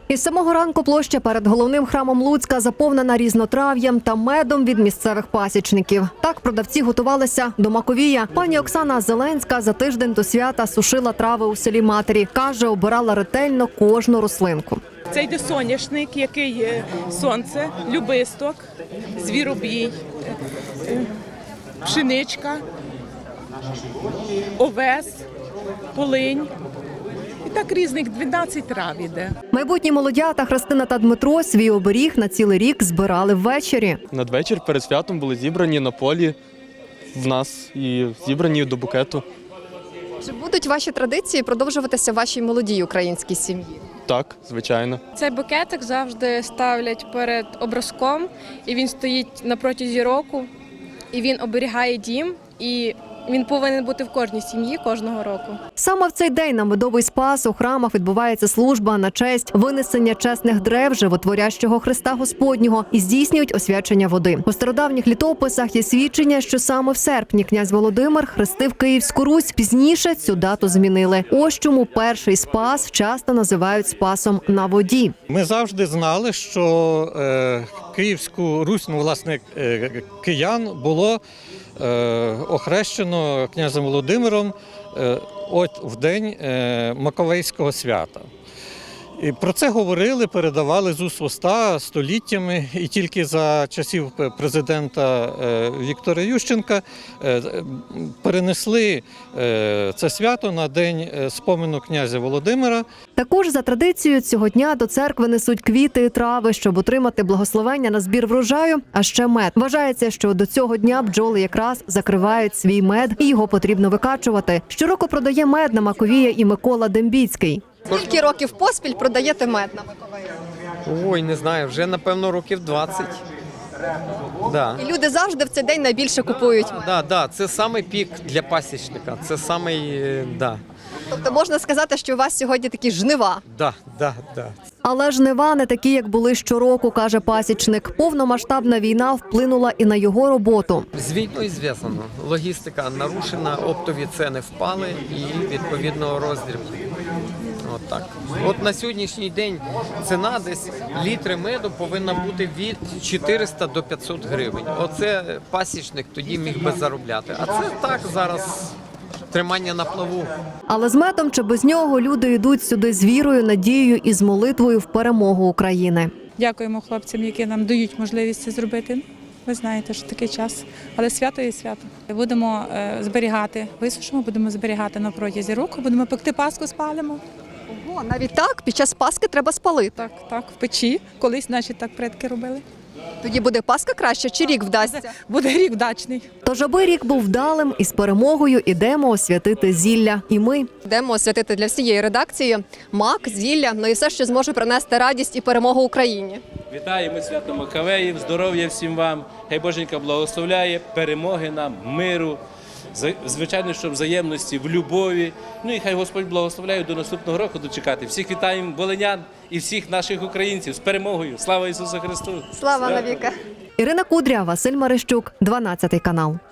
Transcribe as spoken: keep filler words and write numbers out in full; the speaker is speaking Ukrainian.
Із самого ранку площа перед головним храмом Луцька заповнена різнотрав'ям та медом від місцевих пасічників. Так продавці готувалися до Маковія. Пані Оксана Зеленська за тиждень до свята сушила трави у селі Матері. Каже, обирала ретельно кожну рослинку. Це йде соняшник, який є сонце, любисток, звіробій, пшеничка, овес, полинь. І так різних дванадцять трав іде. Майбутні молодята Христина та Дмитро свій оберіг на цілий рік збирали ввечері. Надвечір перед святом були зібрані на полі в нас і зібрані до букету. Чи будуть ваші традиції продовжуватися в вашій молодій українській сім'ї? Так, звичайно. Цей букетик завжди ставлять перед образком, і він стоїть на протязі року, і він оберігає дім, і він повинен бути в кожній сім'ї кожного року. Саме в цей день на Медовий Спас у храмах відбувається служба на честь винесення чесних древ животворящого Христа Господнього і здійснюють освячення води. У стародавніх літописах є свідчення, що саме в серпні князь Володимир хрестив Київську Русь. Пізніше цю дату змінили. Ось чому перший Спас часто називають Спасом на воді. Ми завжди знали, що е, Київську Русь, ну, власне, е, киян було е, охрещено князем Володимиром е, от в день е, Маковейського свята. І про це говорили, передавали з уст в уста століттями, і тільки за часів президента Віктора Ющенка перенесли це свято на день спомину князя Володимира. Також за традицією цього дня до церкви несуть квіти і трави, щоб отримати благословення на збір врожаю, а ще мед. Вважається, що до цього дня бджоли якраз закривають свій мед і його потрібно викачувати. Щороку продає мед на Маковія і Микола Дембіцький. Скільки років поспіль продаєте мед на Маковея? Ой, не знаю, вже, напевно, років двадцять. Да. І люди завжди в цей день найбільше купують мед. Да, да, це самий пік для пасічника. Це самий, да. Тобто можна сказати, що у вас сьогодні такі жнива. Да, да, да. Але жнива не такі, як були щороку, каже пасічник. Повномасштабна війна вплинула і на його роботу. З війною зв'язано. Логістика нарушена, оптові ціни впали і, відповідно, роздріб. От так. От на сьогоднішній день ціна десь літри меду повинна бути від чотириста до п'ятсот гривень. Оце пасічник тоді міг би заробляти. А це так зараз тримання на плаву. Але з медом чи без нього люди йдуть сюди з вірою, надією і з молитвою в перемогу України. Дякуємо хлопцям, які нам дають можливість це зробити. Ви знаєте, що такий час, але свято є свято. Будемо зберігати, висушимо, будемо зберігати на протязі року, будемо пекти паску, спалимо. Ого, навіть так? Під час Пасхи треба спалити. Так, так, в печі. Колись, значить, так предки робили. Тоді буде Пасха краще чи рік вдасться? Буде рік вдачний. Тож, аби рік був вдалим і з перемогою, ідемо освятити зілля. І ми. Йдемо освятити для всієї редакції мак, зілля, ну і все, що зможе принести радість і перемогу Україні. Вітаємо свято Маковеїв, здоров'я всім вам, хай Боженька благословляє, перемоги нам, миру, звичайно, що взаємності, в любові. Ну і хай Господь благословляє до наступного року дочекати. Всіх вітаємо волинян і всіх наших українців з перемогою. Слава Ісусу Христу! Слава навіки! Ірина Кудря, Василь Марищук, дванадцятий канал.